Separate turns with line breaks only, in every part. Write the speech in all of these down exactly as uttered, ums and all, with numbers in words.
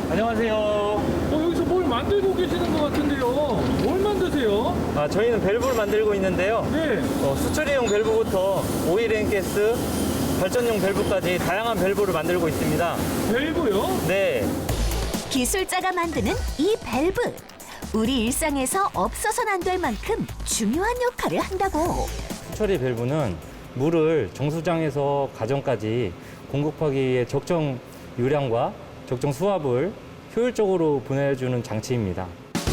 안녕하세요.
어, 여기서 뭘 만들고 계시는 것 같은데요. 뭘 만드세요?
아, 저희는 밸브를 만들고 있는데요.
네.
어, 수출용 밸브부터 오일앤가스, 발전용 밸브까지 다양한 밸브를 만들고 있습니다.
밸브요?
네.
기술자가 만드는 이 밸브. 우리 일상에서 없어서는 안 될 만큼 중요한 역할을 한다고.
수처리 밸브는 물을 정수장에서 가정까지 공급하기 위해 적정 유량과 적정 수압을 효율적으로 보내주는 장치입니다.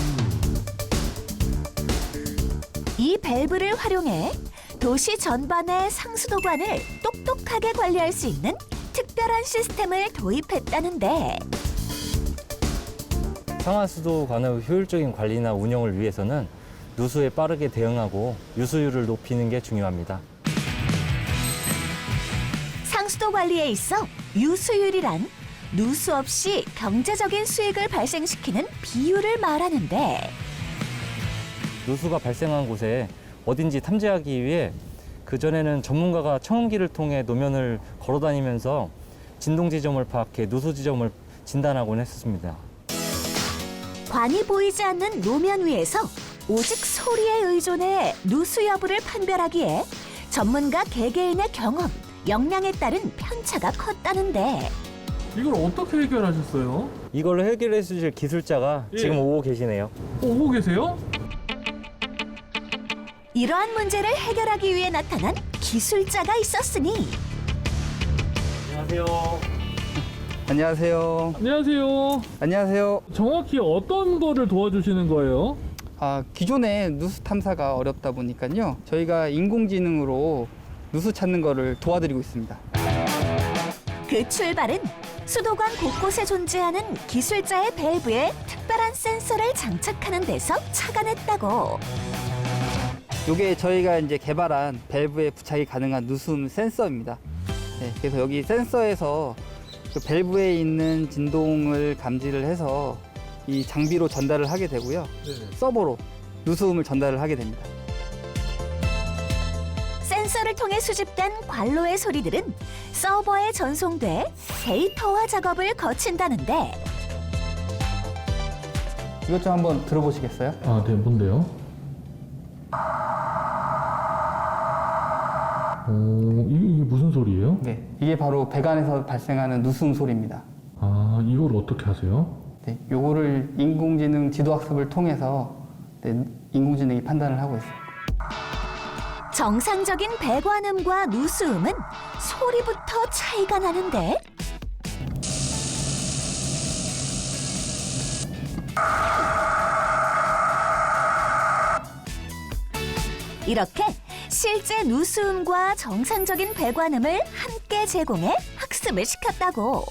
이 밸브를 활용해 도시 전반의 상수도관을 똑똑하게 관리할 수 있는 특별한 시스템을 도입했다는데
상하수도관의 효율적인 관리나 운영을 위해서는 누수에 빠르게 대응하고 유수율을 높이는 게 중요합니다.
상수도 관리에 있어 유수율이란 누수 없이 경제적인 수익을 발생시키는 비율을 말하는데
누수가 발생한 곳에 어딘지 탐지하기 위해 그전에는 전문가가 청음기를 통해 노면을 걸어다니면서 진동 지점을 파악해 누수 지점을 진단하곤 했습니다.
관이 보이지 않는 노면 위에서 오직 소리에 의존해 누수 여부를 판별하기에 전문가 개개인의 경험, 역량에 따른 편차가 컸다는데
이걸 어떻게 해결하셨어요?
이걸로 해결해 주실 기술자가
예.
지금 오고 계시네요.
오고 계세요?
이러한 문제를 해결하기 위해 나타난 기술자가 있었으니
안녕하세요.
안녕하세요.
안녕하세요.
안녕하세요.
정확히 어떤 거를 도와주시는 거예요?
아, 기존에 누수 탐사가 어렵다 보니까요. 저희가 인공지능으로 누수 찾는 거를 도와드리고 있습니다.
그 출발은 수도관 곳곳에 존재하는 기술자의 밸브에 특별한 센서를 장착하는 데서 착안했다고.
이게 저희가 이제 개발한 밸브에 부착이 가능한 누수음 센서입니다. 네, 그래서 여기 센서에서 그 밸브에 있는 진동을 감지를 해서 이 장비로 전달을 하게 되고요.
네.
서버로 누수음을 전달을 하게 됩니다.
센서를 통해 수집된 관로의 소리들은 서버에 전송돼 데이터화 작업을 거친다는데
이것 좀 한번 들어보시겠어요?
아, 네, 뭔데요? 오, 이게, 이게 무슨 소리예요?
네, 이게 바로 배관에서 발생하는 누수음 소리입니다.
아, 이걸 어떻게 하세요?
네, 요거를 인공지능 지도학습을 통해서 네, 인공지능이 판단을 하고 있습니다.
정상적인 배관음과 누수음은 소리부터 차이가 나는데 이렇게 실제 누수음과 정상적인 배관음을 함께 제공해 학습을 시켰다고.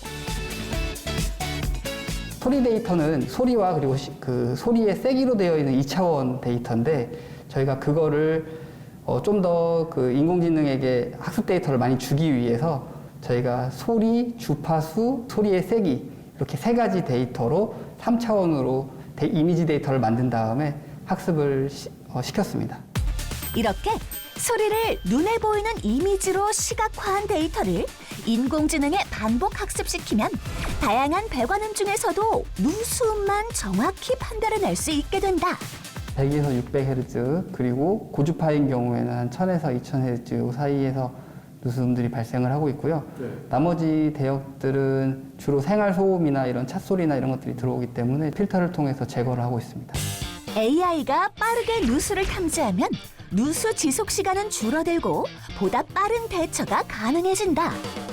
소리 데이터는 소리와 그리고 시, 그 소리의 세기로 되어 있는 이 차원 데이터인데 저희가 그거를 어, 좀 더 그 인공지능에게 학습 데이터를 많이 주기 위해서 저희가 소리, 주파수, 소리의 세기 이렇게 세 가지 데이터로 삼 차원으로 데, 이미지 데이터를 만든 다음에 학습을 시, 어, 시켰습니다.
이렇게 소리를 눈에 보이는 이미지로 시각화한 데이터를 인공지능에 반복 학습시키면 다양한 배관음 중에서도 누수음만 정확히 판별해낼 수 있게 된다.
백에서 육백 헤르츠 그리고 고주파인 경우에는 한 천에서 이천 헤르츠 사이에서 누수음들이 발생을 하고 있고요.
네.
나머지 대역들은 주로 생활 소음이나 이런 찻소리나 이런 것들이 들어오기 때문에 필터를 통해서 제거를 하고 있습니다.
에이아이가 빠르게 누수를 탐지하면 누수 지속 시간은 줄어들고 보다 빠른 대처가 가능해진다.